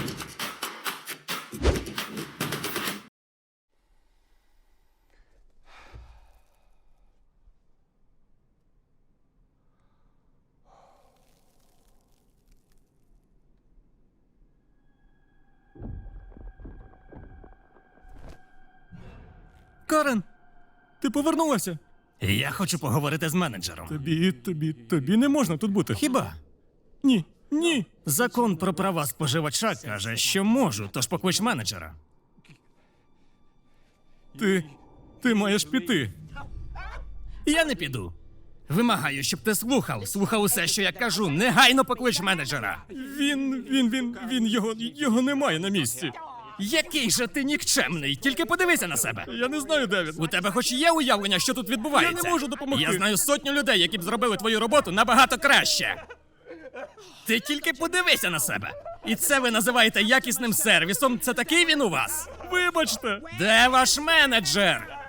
Карен, ти повернулася? Я хочу поговорити з менеджером. Тобі не можна тут бути. Хіба? Ні. Закон про права споживача каже, що можу, тож поклич менеджера. Ти маєш піти. Я не піду. Вимагаю, щоб ти слухав усе, що я кажу. Негайно поклич менеджера. Його немає на місці. Який же ти нікчемний, тільки подивися на себе. Я не знаю, де він. У тебе хоч є уявлення, що тут відбувається? Я не можу допомогти. Я знаю сотню людей, які б зробили твою роботу набагато краще. Ти тільки подивися на себе. І це ви називаєте якісним сервісом? Це такий він у вас? Вибачте. Де ваш менеджер?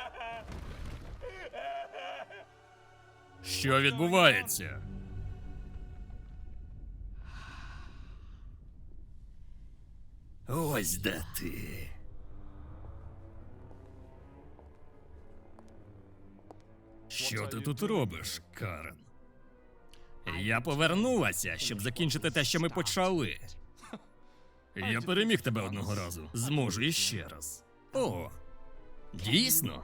Що відбувається? Ось де ти. Що ти тут робиш, Карен? Я повернулася, щоб закінчити те, що ми почали. Я переміг тебе одного разу. Зможу іще раз. О, дійсно?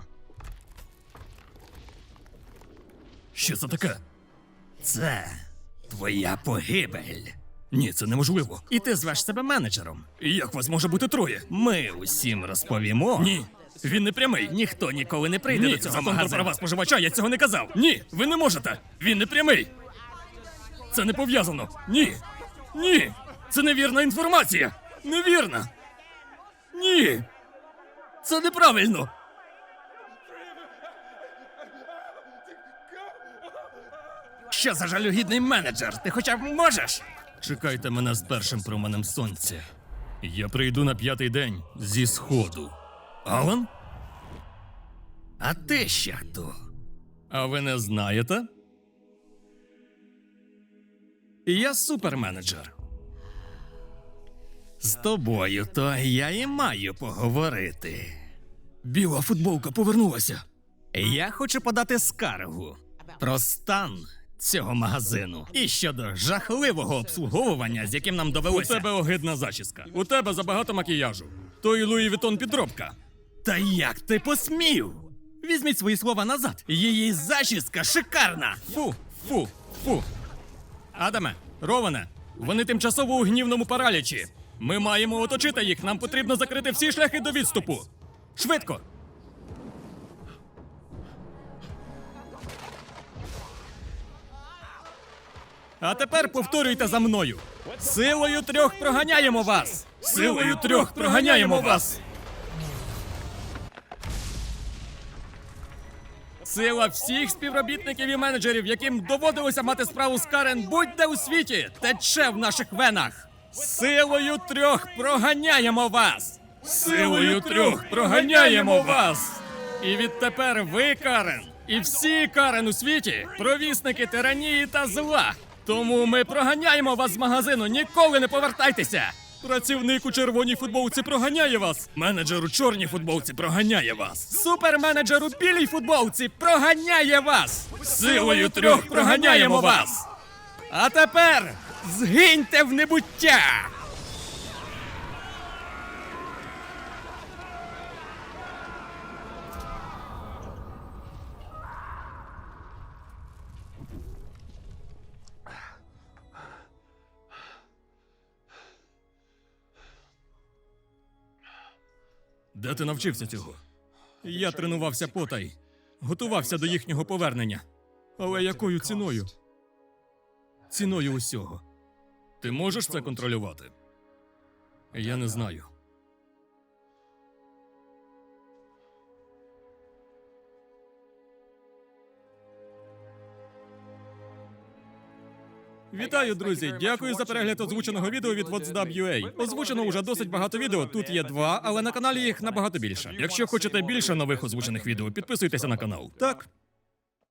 Що це таке? Це твоя погибель. Ні, це неможливо. І ти звеш себе менеджером. Як вас може бути троє? Ми усім розповімо. Ні, він не прямий. Ніхто ніколи не прийде Ні, до цього закон про магазину. права споживача, я цього не казав. Ні, ви не можете. Він не прямий. Це не пов'язано. Ні. Це невірна інформація. Невірна. Ні. Це неправильно. Що за жалюгідний менеджер? Ти хоча б можеш? Чекайте мене з першим променем сонця. Я прийду на 5-й день зі сходу. Алан? А ти ще хто? А ви не знаєте? Я суперменеджер. З тобою то я і маю поговорити. Біла футболка повернулася. Я хочу подати скаргу про стан цього магазину і щодо жахливого обслуговування, з яким нам У довелося. тебе огидна зачіска. У тебе забагато макіяжу. Той Луї Вітон підробка. Та як ти посмів? Візьміть свої слова назад. Її зачіска шикарна. Фу. Адаме, Роване, вони тимчасово у гнівному паралічі. Ми маємо оточити їх, нам потрібно закрити всі шляхи до відступу. Швидко! А тепер повторюйте за мною. Силою трьох проганяємо вас! Силою трьох проганяємо вас! Сила всіх співробітників і менеджерів, яким доводилося мати справу з Карен будь-де у світі, тече в наших венах. Силою трьох проганяємо вас! Силою трьох проганяємо вас! І відтепер ви, Карен, і всі Карен у світі – провісники тиранії та зла. Тому ми проганяємо вас з магазину, ніколи не повертайтеся! Працівник у червоній футболці проганяє вас. Менеджер у чорній футболці проганяє вас. Суперменеджер у білій футболці проганяє вас. Силою трьох проганяємо вас. А тепер згиньте в небуття! Де ти навчився цього? Я тренувався потай. Готувався до їхнього повернення. Але якою ціною? Ціною усього. Ти можеш це контролювати? Я не знаю. Вітаю, друзі! Дякую за перегляд озвученого відео від WhatsApp.ua. Озвучено уже досить багато відео. Тут є 2, але на каналі їх набагато більше. Якщо хочете більше нових озвучених відео, підписуйтеся на канал. Так.